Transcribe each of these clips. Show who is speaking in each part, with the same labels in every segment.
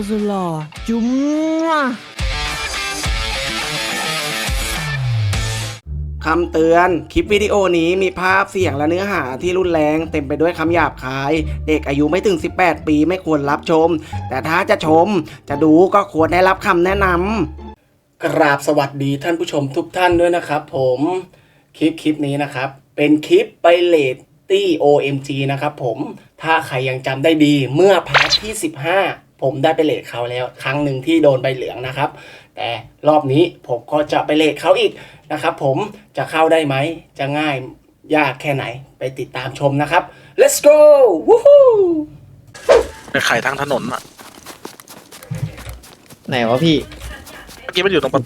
Speaker 1: สุดหล่อจุ๊ม
Speaker 2: คำเตือน คลิปวิดีโอนี้มีภาพเสียงและเนื้อหาที่รุนแรงเต็มไปด้วยคำหยาบคาย เด็กอายุไม่ถึง 18 ปีไม่ควรรับชม แต่ถ้าจะชมจะดูก็ควรได้รับคำแนะนำกราบสวัสดีท่านผู้ชมทุกท่านด้วยนะครับผมคลิปนี้นะครับเป็นคลิปไปเลตตี้ OMG นะครับผมถ้าใครยังจำได้ดีเมื่อพาร์ทที่ 15 ผมได้ไปเลทเขาแล้วครั้งหนึ่งที่โดนใบเหลืองนะครับแต่รอบนี้ผมก็จะไปเลทเขาอีกนะครับผมจะเข้าได้ไหมจะง่ายยากแค่ไหนไปติดตามชมนะครับ let's go วู้ฮู้
Speaker 3: ไปขายทางถนนอ่ะ
Speaker 4: ไหนวะพี่
Speaker 3: เมื่อกี้มันอยู่ตรงประ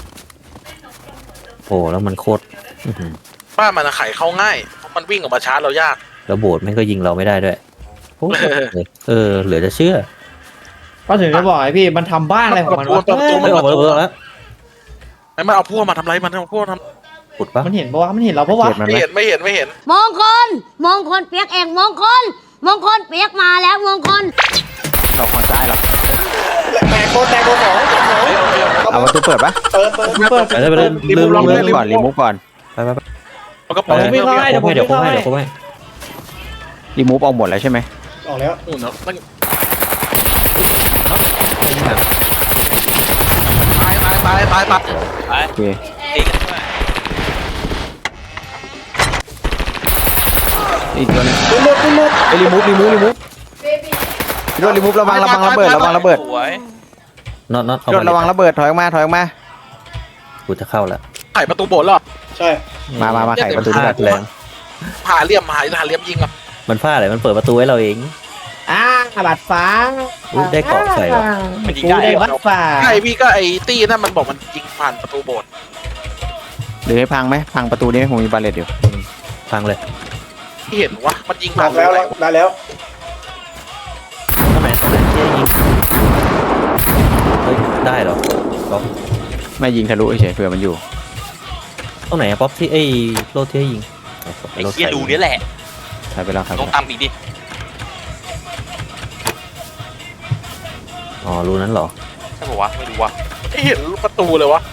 Speaker 5: โอ้แล้วมันโคตร
Speaker 3: บ้านมันอะขายเข้าง่ายเพราะมันวิ่งออกมาชาร์จเรายาก
Speaker 5: แล้วโบสถ์แม่งก็ยิงเราไม่ได้ด้วยโอ้เหลือจะเชื่อ
Speaker 4: ก็ถึงจะบอกไอ้พี่มันทำบ้านอะไรของมันวะ
Speaker 5: ไม่ออกมาแล้ว
Speaker 3: ไอ้มันเอาพวกมาทำไรมันเอาพวกทำ
Speaker 5: ขุดปะ
Speaker 4: มันเห็นปะวะมันเห็นเราปะวะ
Speaker 3: ไม่เห็นไม่เห็น
Speaker 6: มงคลเปียกเองมงคลเปียกมาแล้วมงคล
Speaker 7: ดอกฝั่งซ้ายเหรอ
Speaker 2: แตกโคตรของ
Speaker 7: เอาประตูเปิดปะ
Speaker 2: เปิด
Speaker 5: ไปเลย
Speaker 7: รีมูฟก่อน
Speaker 5: ไป
Speaker 3: มันก็
Speaker 4: เดี๋ยวผมวิ่งเข้าให้เดี๋ยวผมวิ่งเข้าให้
Speaker 7: รีมูฟเอาหมดแล้วใช่ไหม
Speaker 2: ออกแล้ว
Speaker 3: นู่นเนาะมันตาย
Speaker 7: โอเคอีกตัวนึงไอ้รีมูฟพี่โดนรีมูฟระวังระเบิด
Speaker 5: น็อต
Speaker 7: พี่โดนระวังระเบิดถอยออกมา
Speaker 5: กูจะเข้าแล้ว
Speaker 3: ไข่ประตูโบสถ์หรอ
Speaker 2: ใช่
Speaker 7: มาไขประตูนี้ก่อน
Speaker 5: แรง
Speaker 3: หาเหลี่ยมยิงอ่ะ
Speaker 5: มันพลาดอะไรมันเปิดประตูให้เราเอง
Speaker 4: บัตรฟ้า
Speaker 5: ได้เกาะใส่ว่ะ
Speaker 4: กูได้บัตรฟ้า
Speaker 3: ไอ้พี่ก็ไอ้ตี้นั่นมันบอกมันยิงผ่านประตูโบสถ์
Speaker 7: หรือให้พังไหมพังประตูนี้ผมมีบาเลตอยู่
Speaker 5: พังเลย
Speaker 3: ที่เห็นวะมันยิง
Speaker 2: อ
Speaker 3: ผ่า
Speaker 2: อน กแล้วได้แล้ว
Speaker 5: ทำไมที่ยิงเฮ้ยได้เหรอป๊อป
Speaker 7: ไม่ยิงทะลุเฉยเผื่อมันอยู่
Speaker 5: ตรงไหนอะป๊อปที่ไอ้โลที่ให้ยิง
Speaker 8: ไอ้เหี้ยดูนี่แหละ
Speaker 7: ใช้ไปแล้วครับ
Speaker 8: ต้องตามอีกดิ
Speaker 5: อ๋อรูนั้นเหรอ
Speaker 8: ใช่ป่าวะไม่รู้วะ
Speaker 3: ไม่เห็นประตูเลยวะ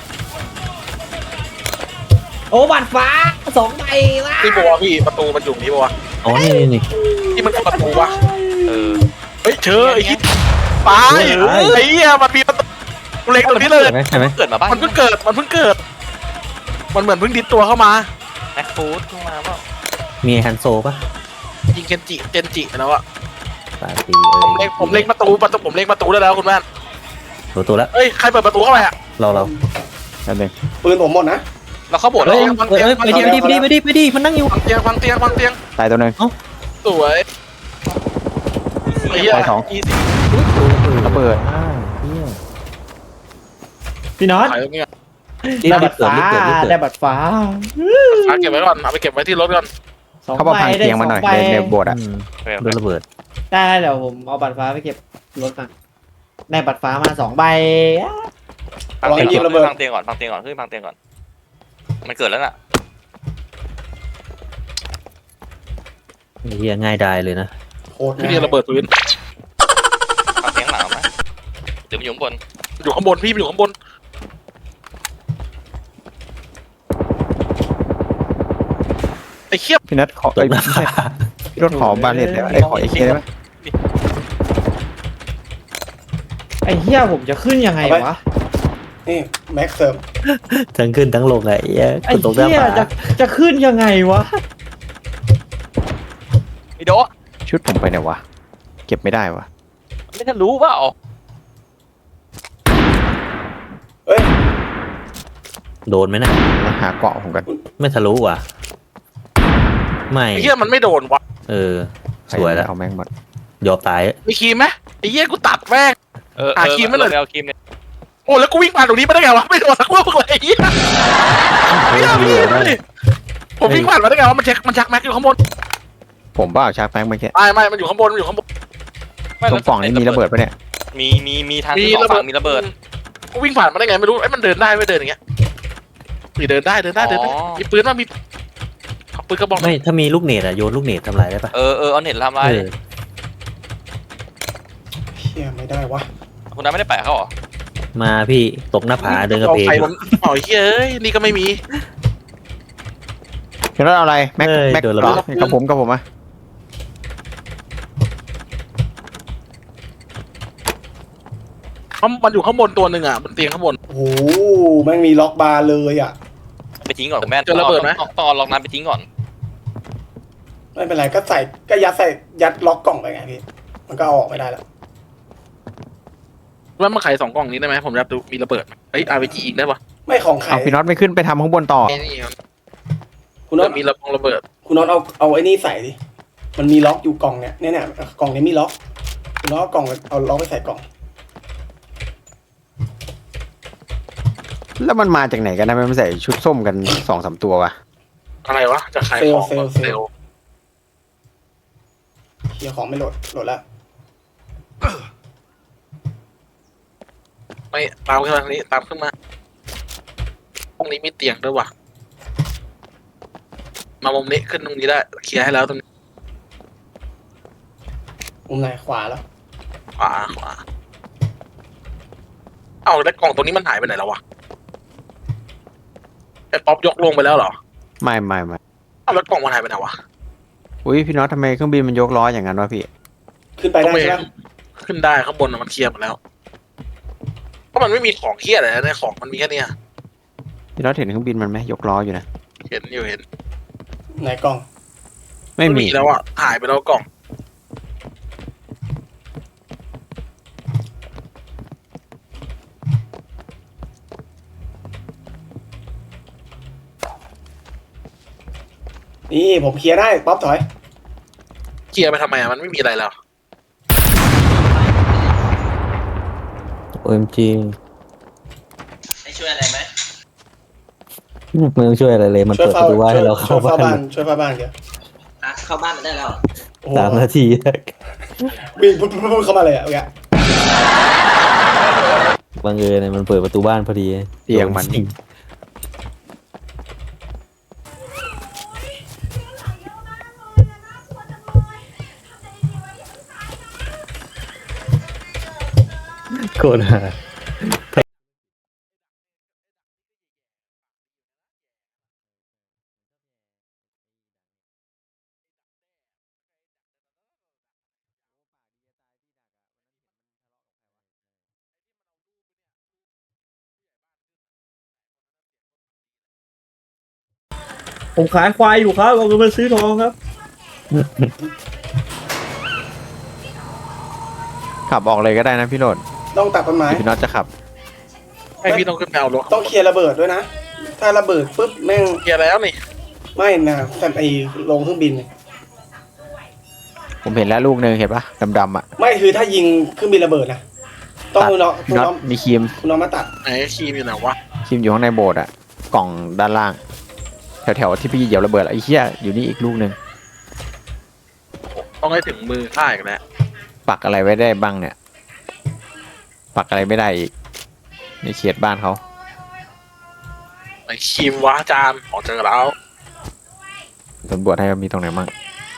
Speaker 4: โอ้บัตรฟ้า2 ใบวะ
Speaker 3: นี่บัวพี่ประตูมันอยู่นี่บัว
Speaker 5: อ๋อนี่
Speaker 3: ที่มันคือประตูวะ
Speaker 8: เออ
Speaker 3: เฮ้ยเชอไอ้ที่ตายไอ้เหี้ยมันมีประตูเล็กตรงนี้เลย
Speaker 5: ใช่ไหม
Speaker 8: เกิดมาบ้าน
Speaker 3: มันเพิ่งเกิด มันเหมือนเพิ่งดิดตัวเข้ามา
Speaker 8: แม็กฟูดขึ้นมาเปล่า
Speaker 5: มีฮันโซปะ
Speaker 3: ยิงเจนจิแล้วอะ
Speaker 5: ตาตี
Speaker 3: ผมเล็งประตูผมเล็งประตูได้แล้วคุณแม่น
Speaker 5: ตัวแล้ว
Speaker 3: เฮ้ยใครเปิดประตูเข้าไปอะ
Speaker 5: เรา
Speaker 7: นั่นเอง
Speaker 2: ปืนผมหมดนะ
Speaker 8: เราเข้าโบสถ์
Speaker 5: เฮ้
Speaker 8: แล้ว
Speaker 5: ยไปดิมันนั่งอยู่
Speaker 3: วางเตียง
Speaker 7: ตายตัวนึง
Speaker 3: สวยไอ้เหี้ย
Speaker 7: ไปสอง ระเบิด
Speaker 4: พี่น็อต
Speaker 3: ขายตรงนี้
Speaker 4: ได้บัตรฟ้าได้บัตรฟ้า
Speaker 3: เก็บไว้ก่อนเอาไปเก็บไว้ที่รถก่อน
Speaker 7: เขาบอกพังเตียงมาหน่อยในโบสถ์อ่ะ
Speaker 5: โดนระเบิด
Speaker 4: ได้เดี๋ยวผมเอาบัตรฟ้าไปเก็บรถกันได้บัตรฟ้ามา2 ใบ
Speaker 8: พังเตียงก่อนพังเตียงก่อนขึ้นพังเตียงก่อนมันเกิดแล้วน่ะ
Speaker 5: เฮียง่ายดายเลยนะ
Speaker 2: โคตร
Speaker 3: พี่นี่ระเบิดพื้น
Speaker 8: พังเตียงหลังไหมหรือมันอยู่ข้างบน
Speaker 3: อยู่ข้างบนพี่อยู่ข้างบนไอ้เขี้ย
Speaker 7: พี่นัทขอไม่ใช่พี่รถขอบาเลตได้ไหมขอเอเคได้ไหม
Speaker 4: ไอ้เหี้ยผมจะขึ้นยังไงวะ
Speaker 2: นี่แม็กเสริม
Speaker 5: ทั้งขึ้นทั้งลงไงเฮีย
Speaker 4: ไอ้
Speaker 5: คุณตกหน้า
Speaker 4: เหี้ย
Speaker 5: ผา
Speaker 4: จะขึ้นยังไงวะ
Speaker 8: ไอ้โดะ
Speaker 7: ชุดผมไปไหนวะเก็บไม่ได้วะ
Speaker 8: ไม่ทันรู้เปล่า
Speaker 2: เอ้ย
Speaker 5: โดนไหมนะ
Speaker 7: หาเกาะผมกัน
Speaker 5: ไม่ทะลุว่ะไม่
Speaker 3: ไอ้เขี้ยมันไม่โดนวะ
Speaker 5: สวยแล้ว
Speaker 7: เอาแม่งหมด
Speaker 5: ยอมตาย
Speaker 3: มีครีมไหมไอ้เหี้ยกูตัดแม่ง หาครีมไม่เลย
Speaker 8: เอาครีมเนี่ย
Speaker 3: โอ้แล้วกูวิ่งผ่านตรงนี้ไม่ได้ไงวะไม่โดนสักลูกเลยไอ้เหี้ยผมวิ่งผ่านมาได้ไงวะมันชักแม็กอยู่ข้างบน
Speaker 7: ผมบ้าชักแป้งเมื่อกี้
Speaker 3: ไม่มันอยู่ข้างบน
Speaker 7: ตรงปล่องนี้มีระเบิดปะเนี่ย
Speaker 8: มีทางที่2ฝั่งมีระเบิด
Speaker 3: กูวิ่งผ่านมาได้ไงไม่รู้ไอ้มันเดินได้ไม่เดินอย่างเงี้ยเดินได้มีปืนว่ามีปืนกระบอก
Speaker 5: ไม่ถ้ามีลูกเนตอะโยนลูกเนตทำลายได้ปะ
Speaker 8: เอาเน็ตทำลาย
Speaker 2: เชี่ยไม่ได้วะ
Speaker 8: คุณน้าไม่ได้แปะเขาเหรอ
Speaker 5: มาพี่ตกหน้าผาเดินกระเพก
Speaker 3: ใครมันอ๋อเฮ้ยนี่ก็ไม่มี
Speaker 7: พี่น็อตเอาอะไรแม็ก
Speaker 5: เอ้ย
Speaker 7: แม็ก
Speaker 5: โดนระ
Speaker 7: เหร
Speaker 5: เบิ
Speaker 7: อ
Speaker 5: ด
Speaker 7: กับผมอะ
Speaker 3: มันอยู่ข้างบนตัวหนึ่งอ่ะบนเตียงข้างบน
Speaker 2: โอ้โหแม่งมีล็อกบาร์เลยอ่ะ
Speaker 8: ไปทิ้งก่อนคุณแม่
Speaker 3: เจอระเบิดไหม
Speaker 8: ต้องเอาล็อกน้ำไปทิ้งก่อน
Speaker 2: ไม่เป็นไรก็ใส่ก็ยัดล็อกกล่องไปไงพี่มันก็เอาออกไม่ได้แล้ว
Speaker 3: ว่ามาไข2 กล่องนี้ได้ไหมผมอยากดูมีระเบิดไหมเอ้ย RPG อีกได้ปะ
Speaker 2: ไม่ของไข่
Speaker 7: เอาพี่น็อตไม่ขึ้นไปทำข้างบนต่อ
Speaker 3: นี่ครับ
Speaker 2: คุณน็อต
Speaker 3: มีระเบิด
Speaker 2: คุณน็อตเอาไอ้นี่ใส่ดิมันมีล็อกอยู่กล่องเนี่ยกล่องนี้มีล็อกคุณน็อตเอากล่องเอาล็อกไปใส่กล่อง
Speaker 7: แล้วมันมาจากไหนกันนะมันใส่ชุดส้มกัน2-3ตัววะ
Speaker 3: อะไรวะจะขายของ
Speaker 2: เซลล์
Speaker 3: เซลล์
Speaker 2: เคลียร์ของไม่โหลดแล้ว
Speaker 3: ไม่ตามขึ้นมาทางนี้ตามขึ้นมาห้องนี้มีเตียงด้วยวะมามุมนี้ขึ้นตรงนี้ได้เคลียร์ให้แล้วตรงนี้
Speaker 2: มุมไหนขวาแล้ว
Speaker 3: ขวาเอ้าแล้วกล่องตรงนี้มันหายไปไหนแล้ววะไอ้ป๊อปยกลงไปแล้วเหรอ
Speaker 7: ไม่
Speaker 3: เอ้าแล้วกล่องมันหายไปไหนวะ
Speaker 7: อุ้ยพี่น็อตทำไมเครื่องบินมันยกล้ออย่างนั้นวะพี่
Speaker 2: ขึ้นไปได้ใช่ไหม
Speaker 3: ขึ้นได้ข้างบนน่ะมันเคลียร์หมดแล้วเพราะมันไม่มีของเคลียร์อะไรนะในของมันมีแค่เนี้ย
Speaker 7: พี่น็อตเห็นเครื่องบินมันไหมยกล้ออยู่นะ
Speaker 3: เห็นอยู่เห็น
Speaker 2: ไหนกล่อง
Speaker 7: ไม่มี
Speaker 3: แล้วอ่ะหายไปแล้วกล่อง
Speaker 2: นี่ผมเคลียร์ได้ป๊อปถอย
Speaker 3: เคลียร์ไปทำไมอ่ะมันไม่มีอะไรแล้ว
Speaker 5: OMG
Speaker 8: ให้ช่วยอะไรไหม
Speaker 5: ไม่ต้องช่วยอะไรเลยมัน
Speaker 2: ช่วย
Speaker 5: เปิดประตูว่าให้เราเข้าบ้าน
Speaker 2: ช่วยเฝ้าบ้านเดี๋ยว
Speaker 8: เข้าบ้านมาได้แล้ว
Speaker 2: โอ้โห
Speaker 5: 3 นาที
Speaker 2: วิ่งปุ๊บเข้ามาเลยอ่ะโอเค
Speaker 5: บังเอิญมันเปิดประตูบ้านพอดี
Speaker 7: เตียงมัน
Speaker 5: จริงโคตรหา
Speaker 4: ผมขายควายอยู่ครับเอาเงินมาซื้อทองครับ
Speaker 7: ขับออกเลยก็ได้นะพี่โรด
Speaker 2: ต้องตัดต้นไม้
Speaker 7: พี่น็อตจะขับ
Speaker 3: ให้พี่ต้องขึ้นไปเอารถ
Speaker 2: ต้องเคลียร์ระเบิดด้วยนะ ถ้าระเบิดปุ๊บแม่ง
Speaker 3: เคลียร์แล้วนี่
Speaker 2: ไม่นะแต่ไอลงเครื่องบินเนี่ย
Speaker 7: ผมเห็นแล้วลูกหนึ่งเห็นปะดำๆอ่ะ
Speaker 2: ไม่คือถ้ายิงเครื่องบินระเบิดนะต้อง
Speaker 7: ตัด
Speaker 2: คุณน้อง
Speaker 7: พี่น็อตมีครีม
Speaker 2: คุณน้องมาตัด
Speaker 3: ไหนครีมอยู่ไหนวะ
Speaker 7: ครีมอยู่ข้างในโบสถ์อ่ะกล่องด้านล่าง แถวๆที่พี่เหยียบระเบิดอะไอ้เหี้ยอยู่นี่อีกลูกหนึ่ง
Speaker 3: ต้องให้ถึงมือข้าอีกแล้ว
Speaker 7: ปักอะไรไว้ได้บ้างเนี่ย ปักอะไรไม่ได้อีกในเขตบ้านเขา
Speaker 3: ไหนครีมวะอาจารย์ของเจอแล้ว
Speaker 7: สำรวจให้ว่ามีตรงไหนบ้าง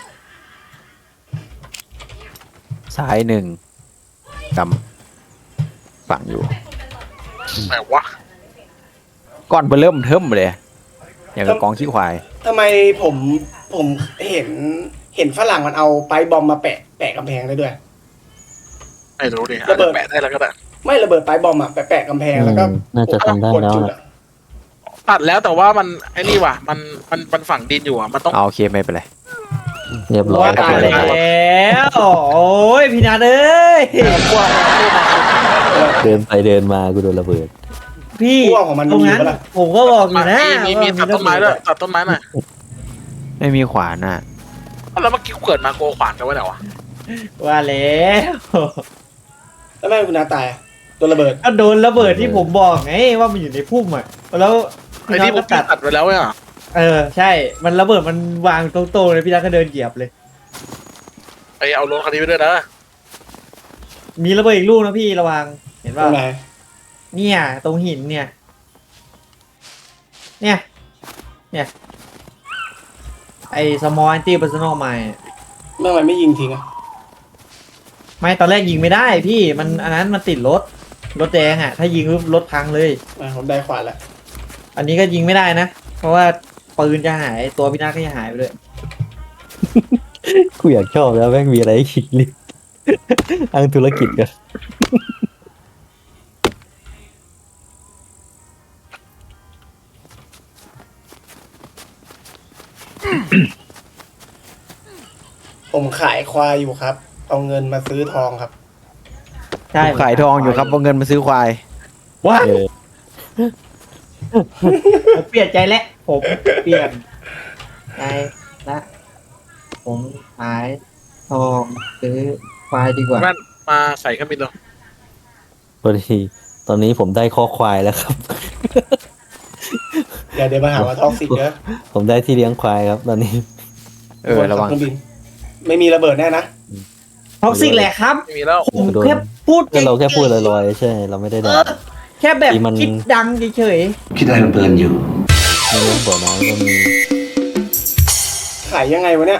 Speaker 7: ซ้าย1ดำฝังอยู่
Speaker 3: ไหนวะ
Speaker 7: ก้อนเบอร์เริ่มเทิมเลยอย่างกับกองขี้ควาย
Speaker 2: ทำไมผมเห็นฝรั่งมันเอาไปบอมมาแปะกำแพงได้ด้วย
Speaker 3: ไม่รู้ดิ
Speaker 2: ระเบิด
Speaker 3: แปะได้แล้วก็ได้
Speaker 2: ไม่ระเบิดไปบอมอะแปะกำแพงแล้วก็
Speaker 5: น่าจะทำได้
Speaker 2: กด
Speaker 5: แล้ว
Speaker 2: จุด
Speaker 5: นะ
Speaker 2: อะ
Speaker 3: ตัดแล้วแต่ว่ามันไอ้นี่ว่ะมันฝังดินอยู่อ่ะมันต้อง
Speaker 7: เอาโอเคไม่เป็นไร
Speaker 5: เรียบร้อย
Speaker 4: ตาย
Speaker 5: เลย
Speaker 4: แล้วโอ้ยพี่นัทเอ้ย
Speaker 5: เดินไปเดินมากูโดนระเบิด
Speaker 4: พี่
Speaker 2: พวกของมัน
Speaker 4: ตรง
Speaker 2: มี
Speaker 4: นั้น
Speaker 2: ปะล่ะ
Speaker 4: ผมก็บอกอยู่นะ
Speaker 3: มีตัดต้นไม้ด้วยตัดต้นไม้หน่อย
Speaker 7: ไม่มีขวานน่ะ
Speaker 3: แล้วเมื่อกี้กูเกิดมาโกขวานกันไว้ไหนวะ
Speaker 4: ว่าแล้ว
Speaker 2: แล้วแม่คุณน้าตายอะโดนระเบิด
Speaker 4: ก็โดนระเบิดที่ผมบอกไงว่ามันอยู่ในพุ่มอ่ะแล้ว
Speaker 3: ไอ้
Speaker 4: พี่นั
Speaker 3: ที่
Speaker 4: ท
Speaker 3: ผม
Speaker 4: ก็ตัด
Speaker 3: ตัดไปแล้วอ่ะ
Speaker 4: ใช่ มันระเบิดมันวางตรงๆเลยพี่นัทก็เดินเหยียบเลย
Speaker 3: ไปเอารถคันนี้ไปด้วยนะ
Speaker 4: มีระเบิดอีกลูกนะพี่ระวังเห็น
Speaker 2: ตร
Speaker 4: ป่ะ
Speaker 2: งไหน
Speaker 4: เนี่ย ตรงหินเนี่ย เนี่ยไอ้สมอลแอนตี้เพอร์ซันอลไมล์
Speaker 2: เมื่อไหร่ไม่ยิงทิ้งอะ
Speaker 4: ไม่ตอนแรกยิงไม่ได้พี่มันอันนั้นมันติดรถแดงอ่ะถ้ายิงปุ๊บรถพังเลย
Speaker 2: ผมได้ขวานแล้ว
Speaker 4: อันนี้ก็ยิงไม่ได้นะ เพราะว่าปืนจะหายตัวพี่นาก็จะหายไปเลย
Speaker 5: กูอยากชอบแล้วแม่งมีอะไรให้คิดลิบทางธุรกิจกัน
Speaker 2: ผมขายควายอยู่ครับ เอาเงินมาซื้อทองครับ
Speaker 4: ใช่
Speaker 7: ผมขายทองอยู่ครับเอาเงินมาซื้อควาย
Speaker 4: ว้า
Speaker 5: เออ
Speaker 4: ผมเปลี่ยนใจแล้วผมเปลี่ยนใจละผมขายทองซื้อควายดีกว่า
Speaker 3: แว่นมาใส่เครื่องบินเลย
Speaker 5: พอดีตอนนี้ผมได้ข้อควายแล้วครับ
Speaker 2: เดี๋ยวมาหาว่าท็อกซิกเด้อ
Speaker 5: ผมได้ที่เลี้ยงควายครับ ตอนนี้
Speaker 7: ระวัง
Speaker 2: เครื่องบิน ไม่มีระเบิดแน่นะ
Speaker 4: ท็อกซิกแหละครับ
Speaker 3: ไม่มีแล้ว
Speaker 4: ผมแค่พูด
Speaker 5: ก็เราแค่พูดลอยๆใช่ เราไม่ได้ด่า
Speaker 4: แค่แบบ
Speaker 5: ที่มัน
Speaker 4: คิดดังเฉย
Speaker 5: ในเรื่องบ่อน้ำก็มี
Speaker 2: ขายยังไงวะเนี่ย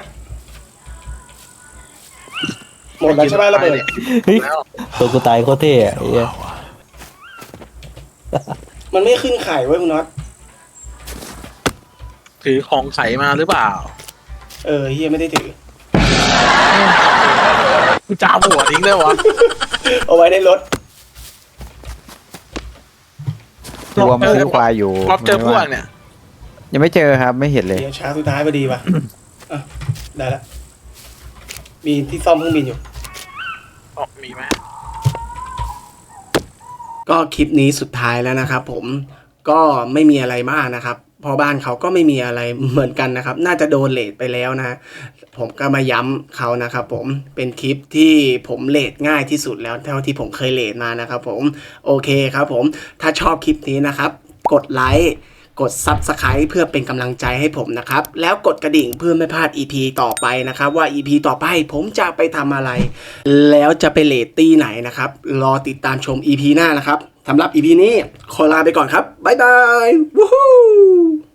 Speaker 2: หมดแล้วใช่ไหมระเบิด
Speaker 5: เฮ้ย
Speaker 3: แล้ว
Speaker 5: ตัวกูตายโคตรเท่อะไอ้เหี้ย
Speaker 2: มันไม่ขึ้นขายไว้ยคุณน็อต
Speaker 3: ถือของใสมาหรือเปล่า
Speaker 2: เฮียไม่ได้ถือ
Speaker 3: กูจ้าหัวทิ้งได้วะ
Speaker 2: เอาไว้ในรถ
Speaker 7: ตัวมาซื้อควายอยู่
Speaker 3: รอบเจอพวกเนี่ย
Speaker 7: ยังไม่เจอครับไม่เห็นเลย
Speaker 2: เดี๋ยวช้าสุดท้ายพอดีว่ะ อ่ะได้ละ มีที่ซ่อมเครื่องบินอยู่
Speaker 3: อ๋อมีไหม
Speaker 2: ก็คลิปนี้สุดท้ายแล้วนะครับผมก็ไม่มีอะไรมากนะครับพอบ้านเขาก็ไม่มีอะไรเหมือนกันนะครับ น่าจะโดนเลทไปแล้วนะ ผมก็มาย้ำเขานะครับผมเป็นคลิปที่ผมเลทง่ายที่สุดแล้วเท่าที่ผมเคยเลทมานะครับผมโอเคครับผมถ้าชอบคลิปนี้นะครับ กดไลค์กด Subscribe เพื่อเป็นกำลังใจให้ผมนะครับแล้วกดกระดิ่งเพื่อไม่พลาด EP ต่อไปนะครับว่า EP ต่อไปผมจะไปทำอะไร แล้วจะไปเลทตี้ไหนนะครับรอติดตามชม EP หน้านะครับสำหรับ EP นี้ขอลาไปก่อนครับบ๊ายบายวู้ฮู้